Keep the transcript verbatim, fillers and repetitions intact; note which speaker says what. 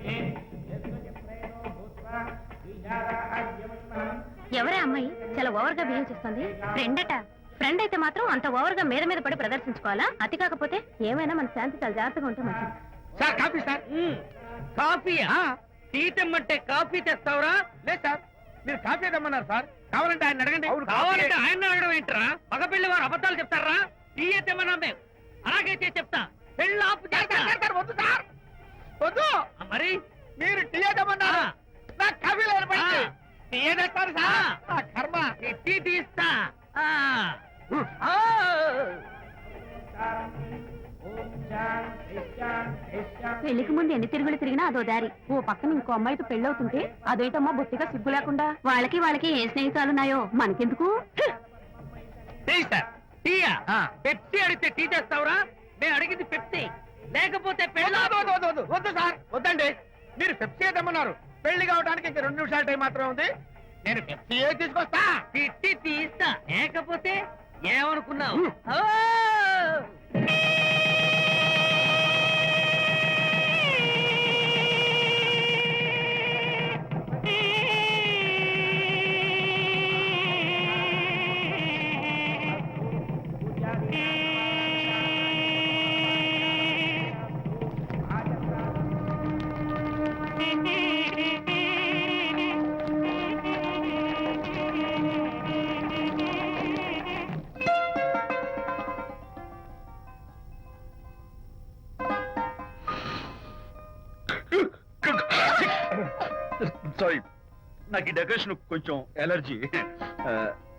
Speaker 1: ఎవరే అమ్మాయి చాలా ఓవర్ గా బిహేవ్ చేస్తుంది? ఫ్రెండ్ అట. ఫ్రెండ్ అయితే మాత్రం అంత ఓవర్ గా మీద మీద పడి ప్రదర్శించుకోవాలా? అతి కాకపోతే ఏమైనా మన శాంతి చాలా జాగ్రత్తగా ఉంటే మంచిది.
Speaker 2: Sir coffee sir. కాఫీయా? టీ తెమ్మంటే కాఫీ తెస్తావురా? లేదు సార్, మీరు కాఫీ తెమ్మన్నారు సార్. కావాలంటే ఆయన అడగండి. కావాలంటే ఆయన అడగడం ఏంటరా? మగ పెళ్లి వారు అబద్ధాలు చెప్తారా? టీ తెమ్మన్నా మేము అలాగైతే చెప్తా. పెళ్ళి ఆపు చేస్తారు. వద్దు సార్, వద్దు. మరి మీరు టీ తెమ్మన్నారు, నాకు కాఫీ లేదు. టీ తెస్తారు సార్. కర్మ. టీ తీస్తా.
Speaker 1: పెళ్లికి ముందు ఎన్ని తిరుగులు తిరిగినా అదో దారి. ఓ పక్కన ఇంకో అమ్మాయితో పెళ్ళవుతుంటే అదేటమ్మా బొత్తిగా సిగ్గు లేకుండా. వాళ్ళకి వాళ్ళకి ఏ స్నేహితాలున్నాయో మనకెందుకు?
Speaker 2: పెప్సీ అడిగితే టీ తెస్తావురా? నేను అడిగింది పెప్సీ, లేకపోతే వద్దు సార్. వద్దండి, మీరు పెప్సీ తెమ్మన్నారు. పెళ్లి కావడానికి ఇంక రెండు నిమిషాల టైం మాత్రం ఉంది. నేను పెప్సీ తీసుకొస్తా. తిట్టి తీస్తా, లేకపోతే ఏమనుకున్నావు?
Speaker 3: సారీ, నాకు ఈ డెకరేషన్ కొంచెం ఎలర్జీ.